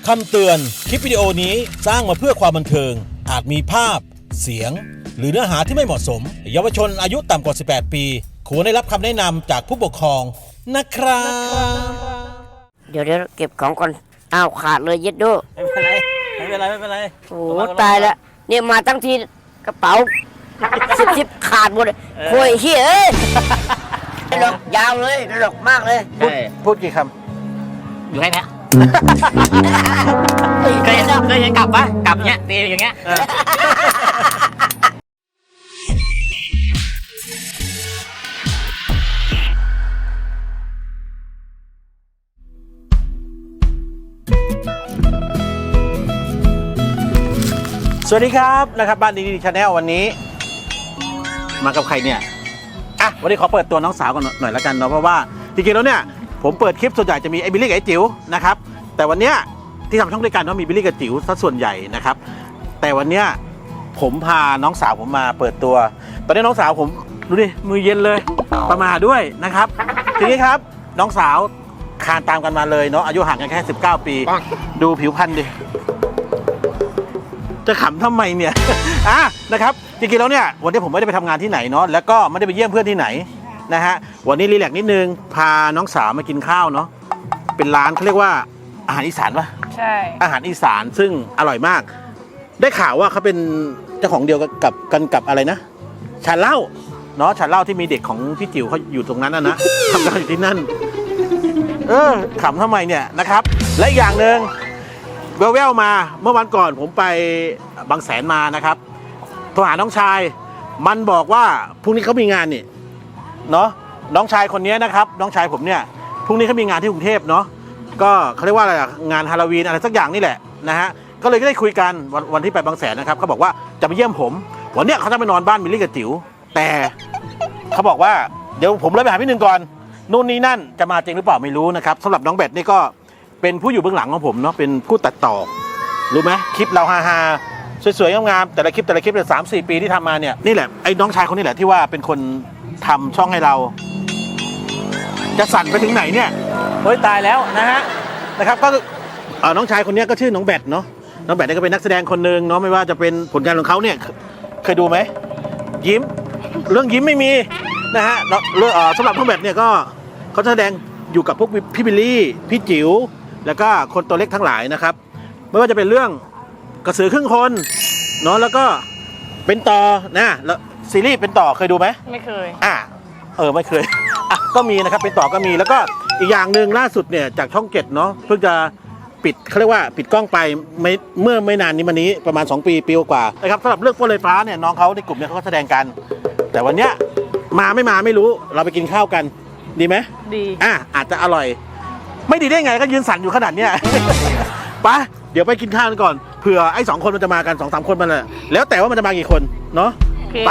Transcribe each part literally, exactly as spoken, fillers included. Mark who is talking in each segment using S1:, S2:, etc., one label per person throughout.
S1: คำเตือนคลิปวิดีโอนี้สร้างมาเพื่อความบันเทิงอาจมีภาพเสียงหรือเนื้อหาที่ไม่เหมาะสมเยาวชนอายุต่ำกว่าสิบแปดปีควรได้รับคำแนะนำจากผู้ปกครองนะครับ
S2: เดี๋ยวเดี๋ยวเก็บของก่อนอ้าวขาดเลยเย็ดโด
S3: ไม่เป็นไรไม่เป็นไรไม่เป็นไร
S2: โอ้ตายแล้วเนี่ยมาตั้งทีกระเป๋าสิบสิบขาดหมดโวยเฮียเอ้ยดอกยาวเลยดอกมากเลย
S3: พูด
S1: พูดกี่ค
S3: อยู่ให้เนี้ยเคยเห็นเคยเห็นกลับปะกลับเนี้ยตีอย่างเงี้ย
S1: ำสวัสดีครับนะครับบ้านดีดีชาแนลวันนี้มากับใครเนี่ยอ่ะวันนี้ขอเปิดตัวน้องสาวกันหน่อยละกันเนาะเพราะว่าจริงๆแล้วเนี่ยผมเปิดคลิปส่วนใหญ่จะมีไอ้บิลลี่กับไอ้จิ๋วนะครับแต่วันเนี้ยที่ทำช่องด้วยกันเนาะมีบิลลี่กับจิ๋วซะส่วนใหญ่นะครับแต่วันเนี้ยผมพาน้องสาวผมมาเปิดตัวตอนนี้น้องสาวผมดูดิมือเย็นเลยประมาด้วยนะครับทีนี้ครับน้องสาวคานตามกันมาเลยเนาะอายุห่างกันแค่สิบเก้าปีดูผิวพรรณดิจะขำทำไมเนี่ย อ่ะนะครับจริงๆแล้วเนี่ยวันนี้ผมไม่ได้ไปทำงานที่ไหนเนาะแล้วก็ไม่ได้ไปเยี่ยมเพื่อนที่ไหนนะฮะวันนี้รีแลกซ์นิดนึงพาน้องสาวมากินข้าวเนาะเป็นร้านเขาเรียกว่าอาหารอีสานปะ
S4: ใช่
S1: อาหารอีสานซึ่งอร่อยมากได้ข่าวว่าเขาเป็นเจ้าของเดียวกับกันกับอะไรนะชาเล่าเนาะชาเล่าที่มีเด็กของพี่จิ๋วเขาอยู่ตรงนั้นนะนะทำงานอยู่ที่นั่นเออขำทำไมเนี่ยนะครับและอีกอย่างหนึ่งแววๆมาเมื่อวันก่อนผมไปบางแสนมานะครับโทรหาน้องชายมันบอกว่าพรุ่งนี้เขามีงานนี่เนาะน้องชายคนนี้นะครับน้องชายผมเนี่ยพรุ่งนี้เขามีงานที่กรุงเทพเนาะก็เขาเรียกว่าอะไรงานฮาโลวีนอะไรสักอย่างนี่แหละนะฮะก็เลยได้คุยกันวันวันที่ไปบางแสนนะครับเขาบอกว่าจะไปเยี่ยมผมวันเนี้ยเขาจะไปนอนบ้านมิลลี่กับจิ๋วแต่เขาบอกว่าเดี๋ยวผมเลยไปหาพี่หนึ่งก่อนนู่นนี่นั่นจะมาจริงหรือเปล่าไม่รู้นะครับสำหรับน้องแบทนี่ก็เป็นผู้อยู่เบื้องหลังของผมเนาะเป็นผู้ตัดต่อรู้ไหมคลิปเราฮาฮาสวยๆงามๆแต่ละคลิปแต่ละคลิปเนี่ยสามสี่ปีที่ทำมาเนี่ยนี่แหละไอ้น้องชายคนนี้แหละที่ว่าเป็นคนทำช่องให้เราจะสั่นไปถึงไหนเนี่ยเฮ้ยตายแล้วนะฮะนะครับก็น้องชายคนนี้ก็ชื่อน้องแบทเนาะน้องแบทนี่ก็เป็นนักแสดงคนหนึ่งเนาะไม่ว่าจะเป็นผลงานของเขาเนี่ยเคยดูไหมยิ้มเรื่องยิ้มไม่มีนะฮะเรื่องสำหรับน้องแบทเนี่ยก็เขาแสดงอยู่กับพวกพี่บิลลี่พี่จิ๋วแล้วก็คนตัวเล็กทั้งหลายนะครับไม่ว่าจะเป็นเรื่องกระสือครึ่งคนเนาะแล้วก็เป็นต่อนะแล้วซีรีส์เป็นต่อเคยดูไหม
S4: ไม่เคย
S1: อ่ะเออไม่เคยอ่ะก็มีนะครับเป็นต่อก็มีแล้วก็อีกอย่างหนึ่งล่าสุดเนี่ยจากช่องเจ็ดเนาะเพิ่งจะปิดเขาเรียกว่าปิดกล้องไปไม่เมื่อไม่นานนี้มานี้ประมาณสองปีปีกว่านะครับสำหรับเรื่องโฟลไฟฟ้าเนี่ยน้องเขาในกลุ่มเนี่ยเขาก็แสดงกันแต่วันเนี้ยมาไม่มาไม่รู้เราไปกินข้าวกันดีไหม
S4: ดี
S1: อ่ะอาจจะอร่อยไม่ดีได้ไงก็ยืนสั่นอยู่ขนาดเนี้ย ไปเดี๋ยวไปกินข้าวกันก่อนเผื่อไอ้สองคนมันจะมากันสองสามคนมันแหละแล้วแต่ว่ามันจะมากี่คนเนาะไป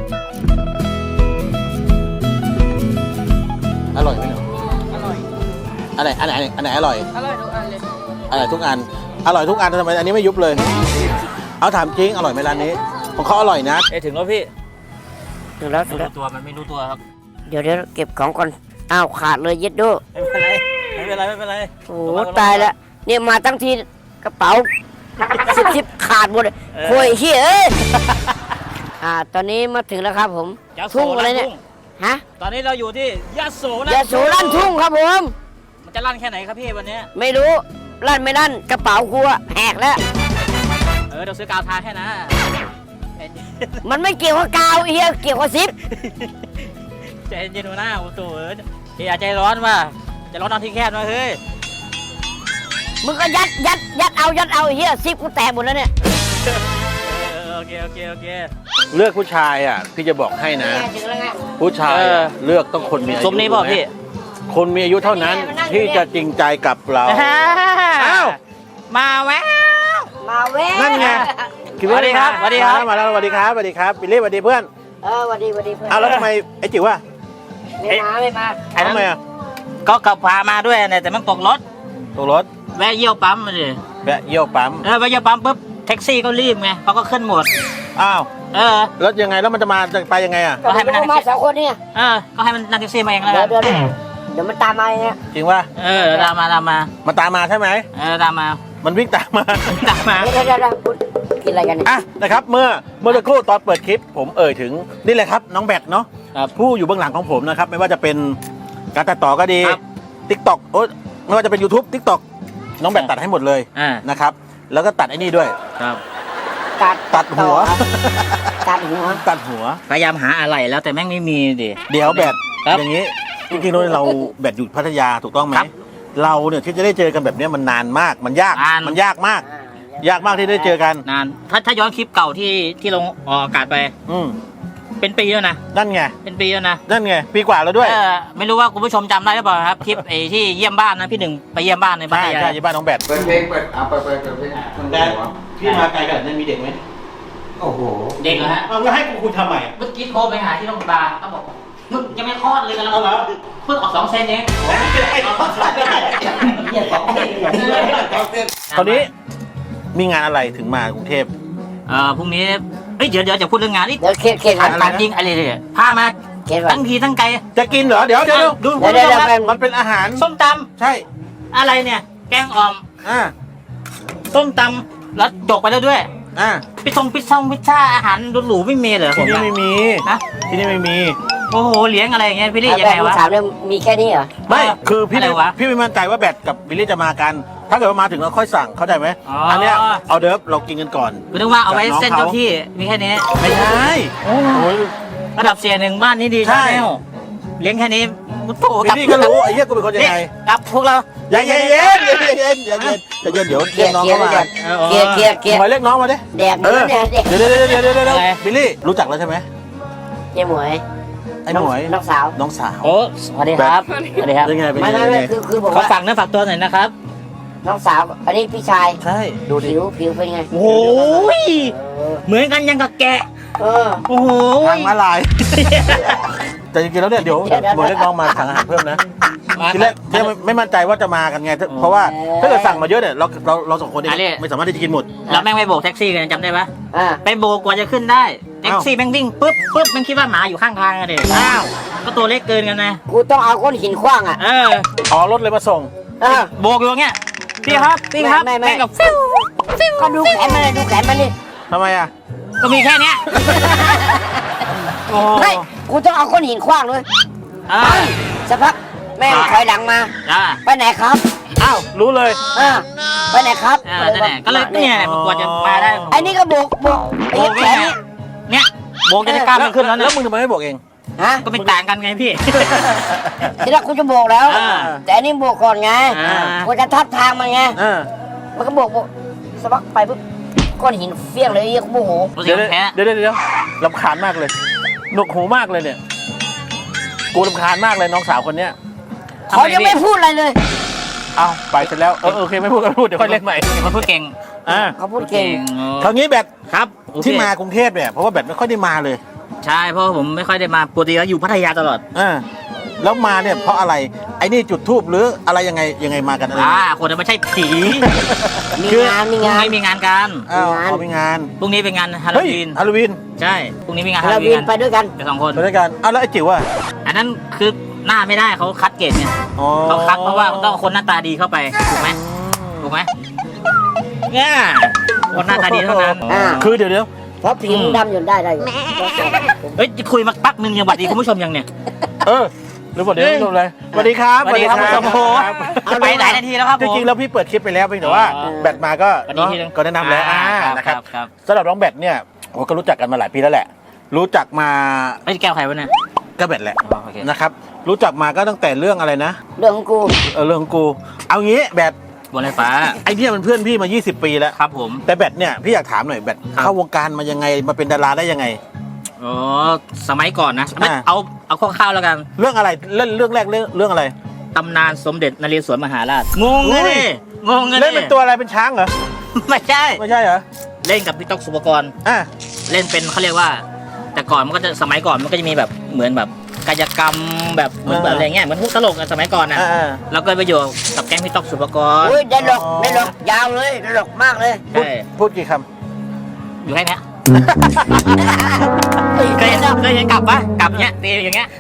S1: อร่อยไหมเนาะ
S4: อร่อย
S1: อันไหนอันไหนอันไหนอร่อย
S4: อร่อยทุกอันเลย
S1: อร่อยทุกอันอร่อยทุกอันทำไมอันนี้ไม่ยุบเลยเอาถามจริงอร่อยไหมร้านนี้ของเขาอร่อยนะ
S3: เอ้ถึงแล้วพี่
S2: ถึงแล้วถึงแล้ว
S3: ตัวมันไม่รู้ตัวครับ
S2: เดี๋ยวเดี๋ยวเก็บของก่อนอ้าวขาดเลยเย็ดโด
S3: ไม่เป็นไรไม่เป็นไรไม่เป็นไร
S2: โอ้ตายแล้วเนี่ยมาตั้งทีกระเป๋าสิบสิบขาดหมดโวยเฮียเอ้ยอ่าตอนนี้มาถึงแล้วครับผมทุ่งอะไรเนี่ยฮะ
S3: ตอนนี้เราอยู่ที่ยะโส
S2: ยะโสลั่นทุ่งครับผม
S3: มันจะลั่นแค่ไหนครับพี่วันนี้
S2: ไม่รู้ลั่นไม่ลั่นกระเป๋ากูอะแหกแล้ว
S3: เออเดี๋ยวซื้อกาวทาแค่นะ
S2: มันไม่เกี่ยวกับกาวเฮียเกี่ยวกับซิป
S3: ใจเย็นๆหน้าโอ้โหอย่าใจร้อนว่ะจะร้อนนอนที่แคบมาเฮ้ย
S2: มึงก็ยัดยัดยัดเอายัดเอาเฮียซิปกูแตกหมดแล้วเนี่ย
S3: โอเคโอเคโอเค
S1: เลือกผู้ชายอ่ะพี่จะบอกให้นะผู้ชายเลือกต้องคนมีอายุ
S3: สมนี้ป่ะพี่
S1: คนมีอายุเท่านั้นที่จะจริงใจกับเราอ้าว
S3: มาแวว
S2: มาแวว
S1: นั่นไง
S3: สวัสดีครับสวัสดีครับ
S1: มาแล้วสวัสดีครับสวัสดีครับบิลลี่สวัสดีเพื่อน
S2: เออสวัสดีสวัสดีเพื่อน
S1: อ้าวแล้วทำไมไอ้จิ๋วอ่ะ
S2: ไม่มาไม่มา
S1: ทำไมอ่ะ
S3: ก็ขับพามาด้วยเนี่ยแต่มันตกรถ
S1: ตกรถ
S3: แวะเยี่ยวปั๊มมาเลย
S1: แวะเยี่ยวปั๊ม
S3: เออแวะเยี่ยวปั๊มปุ๊บแท็กซี่ก็รีบไงเขาก็ขึ้นหมด
S1: อ้าว
S3: เออ
S1: แล้วยังไงแล้วมันจะมาจะไปยังไงอ่ะ
S2: ก็ให้มันนั่งมาสองคนเนี่ย
S3: เออก็ให้มันนั่งแท็กซี่มาเองแล้ว
S2: กันเดี๋ยวเดี๋ยวมันตามมาเนี่ย
S1: จริงว่า
S3: เออตามมาตามมา
S1: มันตามมาใช่ไหม
S3: เออตามมา
S1: มันวิ่งตามมา
S3: ตามมา
S2: เดี๋ยวเดี๋ยวเดี๋ยวพูดกินอะไรกันเนี่ย
S1: อ่ะนะครับเมื่อเมื่อสักครู่ตอนเปิดคลิป ผมเอ่ยถึงนี่แหละครับน้องแบทเนาะ
S3: ครับ
S1: ผู้อยู่เบื้องหลังของผมนะครับไม่ว่าจะเป็นการตัดต่อก็ดี
S3: ครับ
S1: ทิกตอกโอ้ไม่ว่าจะเป็น YouTube ทิกตอกน้องแบทตัดให้หมดเลย
S3: อ่า
S1: นะครับแล้วก็ตัดไอ้นี่ด้วย
S3: ครับ
S2: ตัด
S1: ตัดหัว
S2: ตัดหัว
S1: ตัดหัว
S3: พยายามหาอะไรแล้วแต่แม่งไม่มีดิ
S1: เดี๋ยวแบท
S3: ครับ
S1: อย่างนี้จริงๆแล้วเราแบทอยู่พัทยาถูกต้องไหม
S3: ครับ
S1: เราเนี่ยที่จะได้เจอกันแบบเนี้ยมันนานมากมันยาก
S3: นาน
S1: มันยากมาก ยากมากที่ได้เจอกัน
S3: นานถ้าถ้าย้อนคลิปเก่าที่ที่ลงออกอากาศไป
S1: อืม
S3: เป็นปีแล้วนะ
S1: นั่นไง
S3: เป็นปีแล้วนะ
S1: นั่นไงปีกว่าแล้วด้วย
S3: เออไม่รู้ว่าคุณผู้ชมจำได้หรือเปล่าครับคลิปไอ้ที่เยี่ยมบ้านนะพี่หนึ่งไปเยี่ยมบ้านในบ้าน
S1: ใช่
S3: ยา
S1: ใช่
S3: ย
S1: ที่บ้านน้องแบท
S4: เปิดเพลงเปิดเอาเปิดเปิดเปิดเพลง
S1: แต่พี่มาไกลขนาดนั้นมีเด็กไหม
S4: โอ้โห
S3: เด็กเหรอฮะ
S1: เอาแล้วให้กูคุยทำไม
S3: เมื่อกี้โทรไปหาที่โรงพยาบาลเขาบอกมึงยังไม่คลอดเลยกันแล้ว
S1: เอาเหรอ
S3: เพิ่งออกสองเซนเอง
S2: เหี้ยสองเส้นเลย
S1: คราวนี้มีงานอะไรถึงมากรุงเทพ
S3: เอ่อพรุ่งนี้เอ้ยเดี๋ยวเดี๋ยวจะพูดเรื่องงานนี่
S2: เดี๋ยวเคลียร์เคลียร์กั
S3: ถาน มถามจริงอะไรเนี่ยพามา
S2: เคลียร์ก่อน
S3: ตั้งทีตั้งไกล
S1: จะกินเหรอ เดี๋ยวเดี๋ยวเดี๋ยว
S3: ดู
S2: เดี๋ยวเดี๋ยว
S3: คุณผู้ชมครับ
S2: เดี๋ยว
S1: มันเป็นอาหาร
S3: ส้มต
S1: ใช่
S3: ำอะไรเนี่ย แกงอ่อม
S1: อ่า
S3: ส้มตำแล้วจกไปแล้วด้วย
S1: อ่า
S3: พิซซ่งพิซซ่งพิซซ่าอาหารหรูๆไม่มีเหรอผ
S1: ที่
S3: ม
S1: นี่
S3: อะ
S1: ไม่มี
S3: นะ
S1: ที่นี่ไม่มี
S3: โอ้โหเลี้ยงอะไรอย่างเงี้ยพี่ลี่ยัง
S2: แบ
S3: ไง
S2: บ
S3: วะ
S2: ถามเนี่ยมีแค่นี้เหรอ
S1: ไม่ คือพี่
S3: อะไรวะ
S1: พี่ไม่มั่นใจว่าแบทกับบิลลี่จะมากัน ถ้าเกิดว่ามาถึงเราค่อยสั่ง เข้าใจไหม
S3: อ๋ออั
S1: นเนี้ยเอาเดิฟเรากินกันก่อน
S3: คุณนึกว่าเอาไว้
S1: กับน้อง
S3: เส้น
S1: เขา
S3: เจ้าที่มีแค่นี้
S1: ไม่ใช่ โอ้ย
S3: ระดับเสียหนึ่งบ้านนี้ดี
S1: ใช่
S3: ใช่ไหมเลี้ยงแค่นี้โถ
S1: บิลลี่ก็รู้ไอ้เหี้ยกูเป็นคนยังไง
S3: กับพวกเรา
S1: อย่าเย็นเย็นเย็นเย็นอย่าเย็นอย่าเย็นเดี๋ยว
S2: เคลี
S1: เรี
S2: ย
S1: ยก
S2: ร์
S1: น้อง
S2: เคลีย
S1: เข้า
S2: ร์
S1: มา
S2: เคลียร์เคลียร์เคลียร์
S1: หมายเรียกน้องมาดิ
S2: แดก
S1: เอ
S2: เนื้อ
S1: อ
S2: เนี่ยเด็ก
S1: เดี๋ยวเดี๋ยวเดี๋ยวเดี๋ยวเดี๋ยวเดี๋ยวบิลลี่รู้จักแล้วใช่ไหม
S2: เจ๊หมวย
S1: ไอ้หมวย
S2: น้องสาว
S1: น้องสาว
S3: โอ้สวัสดีครับสวัสดีครับ
S1: เป็นไงเป็น
S2: ไม่
S1: ไง
S2: ไม่
S1: เป็น
S2: ไม่
S1: ไง
S2: คือคือผม
S3: ขอ
S2: ว่า
S3: ฝากเนื้อฝากตัวหน่อยนะครับ
S2: น้องสาว อันนี้พี่ชาย
S1: ใช่ดูดิ
S2: ผิวผิวเป็นไง
S3: โอ้ย
S2: เออ
S3: เหมือนกันยังกับแกะ
S2: เออ
S3: โอ้โห
S1: ทางมาลาย แต่จริงๆแล้วเนี่ยเดี๋ยว
S2: เดี๋ยวเดี๋ยว
S1: หมวยเรียกน้องมาสั่งอาหารเพิ่มนะ
S3: มา
S1: ทีแรกทีแรกไม่ไม่มั่นใจว่าจะมากันไง เพราะว่าถ้าเกิดสั่งมาเยอะเนี่ยเราเราเราสองคนเองไม่สามารถที่จะกินหมด
S3: แล้วแม่งไปโบกแท็กซี่กันจำได้ปะ
S2: อ่า
S3: ไปโบกกว่าจะขึ้นได้แท็กซี่แม่งวิ่งปุ๊บปุ๊บแม่งคิดว่าหมาอยู่ข้างทางอะเด็กอ้าวก็ตัวเล็กเกินกันนะ
S2: กูต้องเอาก้อนหินขว้างอ่ะ
S3: เออ
S1: อ๋อรถเลยมาส่ง
S2: เออ
S3: โบกอยู่อย่างเงี้ยพี่ครับพี่ครับ
S2: ไม่ไม่ไม่
S3: แม่งกับฟิวฟิว
S2: ก็ดูแขนมันเลยดูแขนมันนี่
S1: ทำไมอ่ะ
S3: ก็มีแค่เนี้ยโอ้
S2: ไม่กูต้องเอาก้อนหินขว้างด้วย
S3: อ่า
S2: สักพักแม่งถอยหลังมา
S3: อ่า
S2: ไปไหนครับ
S1: อ้าวรู้เลย
S2: อ่าไปไหนครับ
S3: อ่านั่นแหละก็เลยเนี่ยกว่าจะมาได้
S2: ไอ้นี่ก็โบกโบกไอ้
S3: โบก
S2: แขนนี่
S3: เนี่ยโบกจะได้กล้ามมันขึ้นแล้ว
S1: แล้ว
S3: นะ
S1: มึงทำไมไม่บอกเอง
S2: ฮะ
S3: ก็ไม่ต่างกันไงพี่
S2: ทีแรกกูจะโบกแล้ว
S3: อ่า
S2: แต่อันนี้โบกก่อนไง
S3: อ่า
S2: กูจะทับทางมันไง
S1: อ่า
S2: มันก็โบกโบกสักพักไปปุ๊บก้อนหินเฟี้ยงเลยไอ้เหี้ยกูโมโห
S3: รู้สึ
S1: เดี๋
S3: ก
S1: ยว
S3: แพ้
S1: เดี๋ยวเดี๋ยวเดี๋ยวลำคาญมากเลยหนวกหูมากเลยเนี่ย กูลำคาญมากเลยน้องสาวคนเนี้ย
S2: เขายังไม่พูดอะไรเลย
S1: เอาไปเสร็จแล้วเออเออโอเคไม่พูดก็ไม่พูดเดี๋ยวค่อยเล่นใหม่
S3: มันพูดเก่ง
S1: อ่า
S2: เขาพูดเก่ง
S1: คราวนี้แบท
S3: ครับโอเค
S1: ที่มากรุงเทพเนี่ยเพราะว่าแบทไม่ค่อยได้มาเลย
S3: ใช่เพราะผมไม่ค่อยได้มาปกติแล้วอยู่พัทยาตลอด
S1: อ่าแล้วมาเนี่ยเพราะอะไรไอ้นี่จุดทูบหรืออะไรยังไงยังไงมากันอะไร
S3: อ่าคนนั้นไม่ใช่ผี
S2: มีงานมีงาน
S3: พรุ่งนี้มีงานกัน
S1: อ้าว
S2: งาน
S1: เอาไปงาน
S3: พรุ่งนี้เป็นงานฮาโล
S1: เฮ้ย
S3: วีน
S1: ฮาโลวีน
S3: ใช่พรุ่งนี้มีงานฮา
S2: เรา
S3: โลวี
S2: วิ
S3: น
S2: นไปด้วยกัน
S3: กับสองคน
S1: ไปด้วยกันเอาแล้วไอ้จิ๋วอ่ะ
S3: อันนั้นคือหน้าไม่ได้เขาคัดเกรดเนี่ย
S1: อ๋อ
S3: เขาคัดเพราะว่าต้องเอาคนหน้าตาดีเข้าไปถูกไหมถูกไหมเนี่ยคนหน้าตาดีเท่านั้น
S2: อ่า
S1: คือเดี๋ยวเดี๋ยว
S2: เพราะผิวดำอยู่ได้ได้อยู่
S3: เฮ้ยคุยมาปักหนึ่งยังหวัดดีคุณผู้ชมยังเนี่ย
S1: เออหรือบอกเดี๋ยวไม่รู้เลยสวัสดีครับ
S3: สวัสดีครับ
S1: สวัส
S3: โอ้โห
S1: ครับ
S3: จะไปไหนนาทีแล้วครับ
S1: จ
S3: ผม
S1: ริงๆแล้วพี่เปิดคลิปไปแล้วเพียงแต่ว่า
S3: อ๋อ
S1: แบตมาก็
S3: สวัสดี
S1: เนาะ
S3: ทีนึง
S1: ก็แนะนำแล้ว
S3: อ่า
S1: อ่า
S3: ครับ
S1: นะครับ
S3: ครับ
S1: สำหรับน้องแบตเนี่ยโอ้ก็รู้จักกันมาหลายปีแล้วแหละ รู้จักมา
S3: ไอ้ยแก้วใครวะเนี่ย
S1: ก็แบตแหละ
S3: อ๋อโอเค
S1: นะครับรู้จักมาก็ตั้งแต่เรื่องอะไรนะ
S2: เรื่องของกู
S1: เออเรื่องของกู เอางี้แบต
S3: บนไฟฟ้า
S1: ไอ้เนี่ยมันเพื่อนพี่มา ยี่สิบ ปีแล้ว
S3: ครับผม
S1: แต่แบตเนี่ยพี่อยากถามหน่อยแบต
S3: ครับ
S1: เข้าวงการมายังไงมาเป็นดาราได้ยังไง
S3: อ๋อสมัยก่อนนะไม่
S1: อ่า
S3: เอาเอาคร่าวๆแล้วกัน
S1: เรื่องอะไรเล่นเรื่องแรกเรื่องเรื่องอะไร
S3: ตำนานสมเด็จนเรศวรมหาราชงงเลย
S1: อุ้ย
S3: งงเลย
S1: เล่นเป็นตัวอะไรเป็นช้างเหรอ
S3: ไม่ใช่
S1: ไม่ใช่เหรอ
S3: เล่นกับพี่ต๊อกสุปกรณ์
S1: อ่ะ
S3: เล่นเป็นเขาเรียกว่า แต่ก่อนมันก็จะสมัยก่อนมันก็จะมีแบบเหมือนแบบกายกรรมแบบเหมือนแบบอะไรเงี้ยเหมือนพวกตลกอะสมัยก่อนนะ
S1: อ่า
S3: แล้วก็ไปอยู่กับแก๊งพี่ต๊อกสุปกรณ์
S2: อุ้ยได้หลอก
S1: อ๋อ
S2: ได้หลอกยาวเลยได้หลอกมากเลย
S1: พูด
S3: ใช่
S1: พูดกี่ค
S3: อยู่แค่เนี้ยเคยเห็นเคยเห็นกลับปะกลับเนี้ยตีอย่างเงี้ย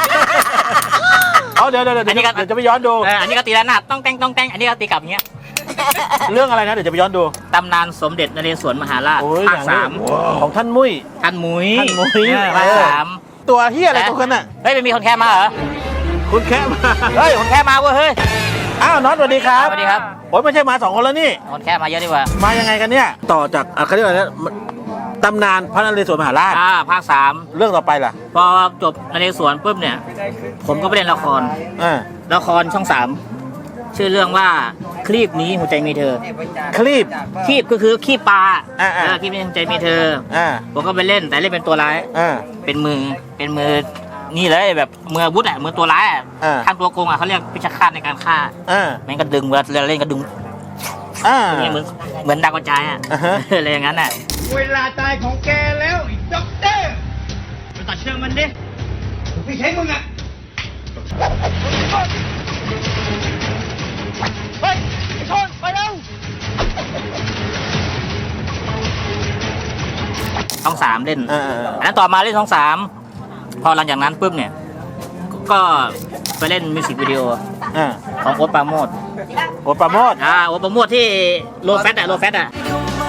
S1: ำเอาเดี๋ยวเดี๋ยวเดี๋ยว
S3: อันนี้ก็
S1: เดี๋ยวจะไปย้อนดู
S3: เอออันนี้ก็ตีแล้วหนาดต้องแตงต้องแตงอันนี้ก็ตีกลับอย่างเงี้ย
S1: เรื่องอะไรนะเดี๋ยวจะไปย้อนดู
S3: ตำนานสมเด็จนเรศวรมหาราช
S1: โอ้ย
S3: ภาคสาม
S1: ของท่านมุ้ย
S3: ท่านมุ้ย
S1: ท่านมุ้ย
S3: เออภาคสาม
S1: ตัวเฮียอะไรตัวกันน่ะ
S3: เฮ้ยไม่มีคนแค่มาเหรอ
S1: คุณแค่มา
S3: เฮ้ยคนแค่มาเว้ยเฮ้ย
S1: อ้าวน็อตสวัสดีครับ
S3: สวัสดีครับ
S1: โอ้ยไม่ใช่มาสองคนแล้วนี่
S3: คนแค่มาเยอะดีกว่า
S1: มายังไงกันเนี่ย ต่อจากอ่ะเขาเรียกว่าอะไรนะตำนานพระนเรศวรมหาราช
S3: อ่าภาคสาม
S1: เรื่องต่อไปล่ะ
S3: พอจบนเรศวรปุ๊บเนี่ย ผมก็ไปเล่นละคร
S1: อ่า
S3: ละครช่องสามชื่อเรื่องว่าคลีบนี้หัวใจมีเธอ
S1: คลีป
S3: คลีบก็คือขี้ปลา
S1: อ่าๆ
S3: เออคลีบนี้หัวใจมีเธอ
S1: อ่า
S3: ผมก็ไปเล่นแต่เล่นเป็นตัวร้าย
S1: อ่า
S3: เป็นมือเป็นมือนี่เลยแบบมืออาวุธอ่ะมือตัวร้ายอ่ะ
S1: อ่า
S3: ทำตัวโกงอ่ะเขาเรียกพิชฆาตในการฆ่า
S1: อ่า
S3: แม่งก็ดึงเวลาเล่นก็ดึง
S1: อ่า
S3: นี่เหมือนเหมือนดาวกระจายอ่ะ
S1: อ่าฮะ
S3: อะไรอย่างนั้นอ่ะ
S5: เวลาตายของแกแล้วไอ้ด็อกเตอร์
S3: ไปตัดเชือกมันดิ
S5: ไม่ใช่มึงอ่ะ
S3: เฮ้ยไอ้ชนไปเร็วช่องสามเล่น
S1: อ่าอ่าอ่า
S3: อันนั้นต่อมาเล่นช่องสามพอหลังจากนั้นปุ๊บเนี่ยก็ไปเล่นมิวสิกวิดีโอ
S1: อ่า
S3: ของโอ๊ตปราโมท
S1: โอปราโมด
S3: อ่าโอ๊ตปราโมทที่โลแฟตอ่ะโลแฟตอ่ะ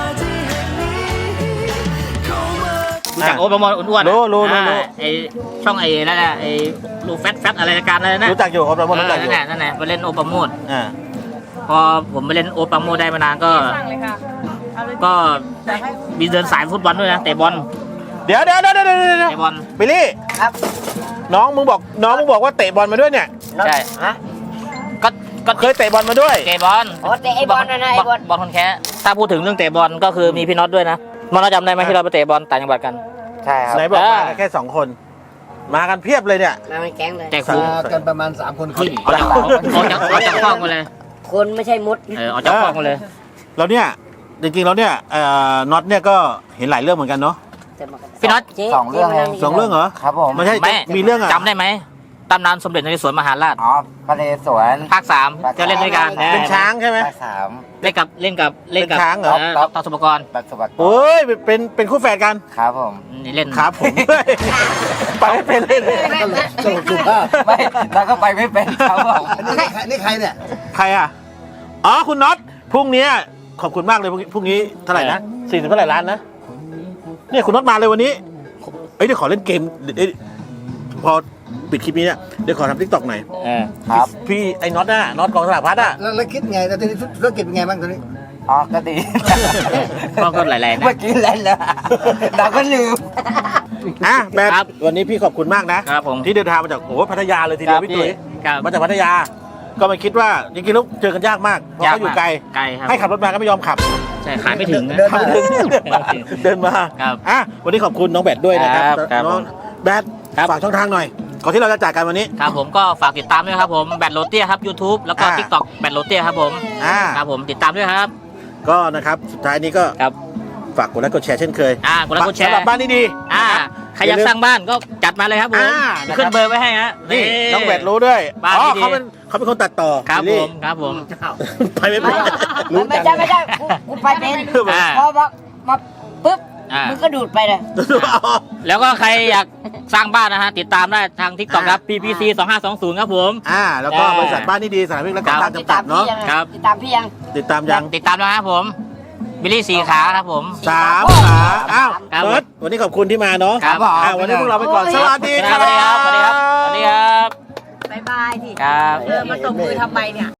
S3: รู้จักโอ๊ตปราโมทอ้วนๆอะ
S1: รู้รู้รู้รู้
S3: อ่าไอช่องไอ้นั่นแหละไอ้โลแฟตแฟตอะไรรายการอะไรนะ
S1: รู้จักอยู่โอปราโมด
S3: เอ
S1: รู้
S3: อ
S1: จักอ
S3: นั่
S1: ยู่
S3: นแหละนั่นแหละไปเล่นโอ๊ตปราโมท
S1: อ่า
S3: พอผมไปเล่นโอ๊ตปราโมทได้มานานก็ก็มีเดินสายฟุตบอลด้วยนะเตะบอล
S1: เดี๋ยวเดี๋ยวเดี๋ยวเดี๋ยวเดี๋ยว
S3: เตะบอล
S1: บิลลี่
S2: ครับ
S1: น้องมึงบอกน้องมึงบอกว่าเตะบอลมาด้วยเนี่ย
S3: ใช่
S2: ฮะ
S3: ก็ก็
S1: เคยเตะบอลมาด้วย
S3: เตะบอล
S2: อ๋อเตะไอ้บอลนะนะไอ้บอล
S3: บอลคนแค่ถ้าพูดถึงเรื่องเตะบอลก็คือมีพี่น็อตด้วยนะมอนจำได้ไหมที่เราไปเตะบอลต่างจังหวัดกัน
S2: ใช่ครับ
S1: ไหนบอก
S3: เออ
S1: มาแค่สองคน มากันเพียบเลยเนี่ย
S2: มาเป็นแก๊งเลย
S3: แต่ครู
S4: มากันประมาณสามคนครึ่ง
S3: ออกจากออกจากออกจากห้องมาเลย
S2: คนไม่ใช่มุด
S3: เออออกจากห้องมาเลย
S1: แล้วเนี่ยจริงๆแล้วเนี่ยเอ่อน็อตเนี่ยก็เห็นหลายเรื่องเหมือนกันเนาะ
S3: พี่น็อต
S2: จ๊
S6: สองเรื่องเอง
S1: สองเรื่องเหรอ
S6: ครับผม
S1: ไม่ใช่
S3: ไม่
S1: มีเรื่องอะ
S3: จำได้ไหมตำนานสมเด็จนเรศวรมหาราช
S6: อ๋อพระนเรศวร
S3: ภาคสามจะเล่นด้วยกัน
S1: เป็นช้างใช่ไหม
S6: ภาคสาม
S3: เล่นกับเล่นกับเล่นกับ
S1: เป็นช้างเหรอ
S3: ต่อต่อสุปกรณ์
S6: ปัสสาวะ
S1: โอ้ยเป็นเป็นคู่แฝดกัน
S6: ครับผม
S3: นี่เล่น
S1: ครับผม ไปไม่เป็นเลย
S4: สรุปสุภาพ
S6: ไม่เราก็ไปไม่เป็นครับผม
S4: อันนี้ใครนี่ใครเนี่ย
S1: ใครอ่ะอ๋อคุณน็อตพรุ่งนี้ขอบคุณมากเลยพรุ่งนี้พรุ่งนี้เท่าไหร่นะสี่สิบเท่าไหร่ล้านนะเนี่ยคุณน็อตมาเลยวันนี้เอ้ยเดี๋ยวขอเล่นเกมเอ้ยพอปิดคลิปนี้เนี่ยเดี๋ยวขอทำทิกตอกหน่อย
S3: เออ
S6: ครับ
S1: พี่ไอ้น็อตน่ะน็อตกองสลากพัดอ่ะ
S4: แล้วแล้วคิดไงแล้วตอนนี้ธุรกิจเป็นไงบ้างตอนนี้
S6: อ๋อก็ดี
S3: ก็ก็หลายๆนะ
S6: เมื่อกี้เล่นแล้วเราก็ลืม
S1: อ่ะแบบ
S3: ครับ
S1: วันนี้พี่ขอบคุณมากนะครับ
S3: ผม
S1: ที่เดินทางมาจากโอ้โหพัทยาเลยทีเดียวพี่ตุ๋ย
S3: ครับ
S1: มาจากพัทยา ก็ไม่คิดว่าจริงๆแล้วเจอกันยากมากเพราะเขาอยู่ไกล
S3: ไกลครับ
S1: ให้ขับรถมาก็ไม่ยอมขับ
S3: ใช่ขายไม่ถึงนะ
S4: เดิน
S1: ขับ
S4: มา
S1: ไม่ถึงเดินมา
S3: ครับ
S1: อ่ะวันนี้ขอบคุณน้องแบดด้วยนะครับ
S3: ครับครับ
S1: น้องแบด
S3: ครับ
S1: ฝากช่องทางหน่อยก่อนที่เราจะจากกันวันนี้
S3: ครับผมก็ฝากติดตามด้วยครับผมแบทโรเตียครับ YouTube แล้วก็
S1: อ่า
S3: TikTok แบทโรเตียครับผม
S1: อ่า
S3: ครับผมติดตามด้วยครับ
S1: ก็นะครับสุดท้ายนี้ก็
S3: ครับ
S1: ฝากกดไลค์กดแชร์เช่นเคย
S3: อ่ากดไลค์กดแชร์
S1: สำหรับบ้านนี้ดี
S3: อ่าใครอยากสร้างบ้านก็จัดมาเลยครับผม
S1: อ่านะครับ
S3: ขึ้นเบอร์ไว้ให้ฮะ
S1: นี่น้องแบดรู้ด้วย
S3: บ้าน
S1: อ๋อ
S3: ดีๆ
S1: เขาเป็นเขาเป็นคนตัดต่อ
S3: ครับ
S1: บิล
S3: ผ
S1: ลี่
S3: มครับผม
S1: ไปไม่เป็น
S2: ไม่ใช่ไม่ใช่กูกูไปเป็น
S3: อ่า
S2: พอมามาปุ๊บ
S3: อ่ามึ
S2: มึงก็ดูดไปเลย
S3: แล้วก็ใครอยากสร้างบ้านนะฮะติดตามได้ทาง TikTok ครับ
S1: อ่า
S3: พี พี ซี สองห้าสองศูนย์ครับผม
S1: อ่าแล้วก็
S3: อ่า
S1: บริษัทบ้านนี้ดีสถานพิพิธและก่อสร้าง
S2: ติด
S1: จำกั
S2: ตา
S1: ด
S2: ม
S1: เนาะ
S2: พี่ยัง
S3: ครับ
S2: ติดตามพี่ยัง
S1: ติดตามยัง
S3: ติดตามนะครับผมบิลลี่สีขาครับผม
S1: สามขาอ้าว
S3: ครับ
S1: เบิร์ดวันนี้ขอบคุณที่มาเนาะ
S3: ครับ
S1: อ่าวันนี้พวกเราไปก่อนสวัสดี
S3: สวัสดีครับสวัสดีครับสวัสดีครับ
S7: บายบายที่
S3: ครับ
S7: เออมาตบมือทำไมเนี่ย